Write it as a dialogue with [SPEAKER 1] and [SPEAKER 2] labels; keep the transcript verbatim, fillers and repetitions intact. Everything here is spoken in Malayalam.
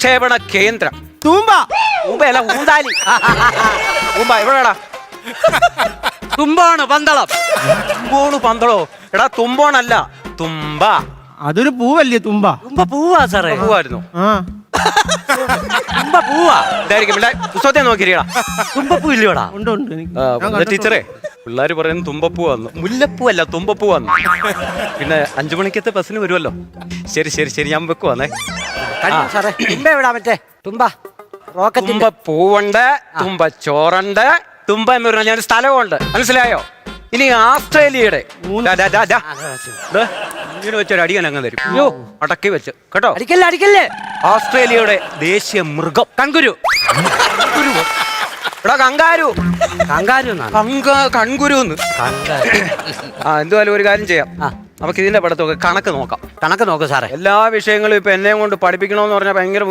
[SPEAKER 1] വിക്ഷേപണ കേന്ദ്രം.
[SPEAKER 2] തൂമ്പ.
[SPEAKER 1] തൂമ്പയല്ല, ഊന്താലി. തൂമ്പ എവിടെടാ?
[SPEAKER 3] തുമ്പാണ് പന്തളം.
[SPEAKER 1] തുമ്പോണ് പന്തളോ? എടാ തുമ്പോണല്ല, തുമ്പ.
[SPEAKER 2] അതൊരു പൂവല്ലേ തുമ്പ?
[SPEAKER 3] തുമ്പ പൂവാ സാറേ.
[SPEAKER 1] പൂവായിരുന്നു.
[SPEAKER 2] ആ
[SPEAKER 3] തുമ്പ പൂവാ.
[SPEAKER 1] ഇതായിരിക്കും. പുസ്തകത്തെ നോക്കിയിരിക്കടാ.
[SPEAKER 3] തുമ്പപ്പൂ ഇല്ലയോടാ?
[SPEAKER 2] ഉണ്ട് ഉണ്ട് എനിക്ക്
[SPEAKER 1] ആ,
[SPEAKER 2] ഞാൻ
[SPEAKER 1] ഇത് ടീച്ചറേ, പിള്ളേര് പറയുന്നത് തുമ്പപ്പൂ വന്നു. മുല്ലപ്പൂ അല്ല, തുമ്പപ്പൂ വന്നു. പിന്നെ അഞ്ചു മണിക്കത്തെ ബസ്സിന് വരുമല്ലോ. ശരി ശരി ശരി, ഞാൻ വെക്കുവാന്നേ.
[SPEAKER 3] കഴിഞ്ഞു സാറേ. തുമ്പ എവിടാ മറ്റേ തുമ്പ റോക്കറ്റിന്റെ?
[SPEAKER 1] തുമ്പ പൂവുണ്ട്, തുമ്പ ചോറുണ്ട്, തുമ്പ എന്ന് പറഞ്ഞാൽ ഞാൻ സ്ഥലമുണ്ട്. മനസ്സിലായോ? ഇനി ആസ്ട്രേലിയയുടെ ദാ, ദാ, ദാ, ദാ. ദേ, ഇങ്ങനെ വെച്ചൊരു അടിയൻ അങ്ങ് തരും. അയ്യോ, അടക്കി വെച്ച് കേട്ടോ.
[SPEAKER 3] അടിക്കല്ലേ അടിക്കല്ലേ.
[SPEAKER 1] ഓസ്ട്രേലിയയുടെ ദേശീയ മൃഗം കൺകുരു. എടാ കങ്കാരു.
[SPEAKER 3] കങ്കാരു
[SPEAKER 1] കങ്ക കൺകുരുന്ന്. ആ എന്തുവായാലും ഒരു കാര്യം ചെയ്യാം. നമുക്ക് ഇതിന്റെ പഠിത്തമൊക്കെ കണക്ക് നോക്കാം.
[SPEAKER 3] കണക്ക് നോക്ക് സാറേ.
[SPEAKER 1] എല്ലാ വിഷയങ്ങളും ഇപ്പൊ എന്നെ കൊണ്ട് പഠിപ്പിക്കണമെന്ന് പറഞ്ഞാൽ ഭയങ്കര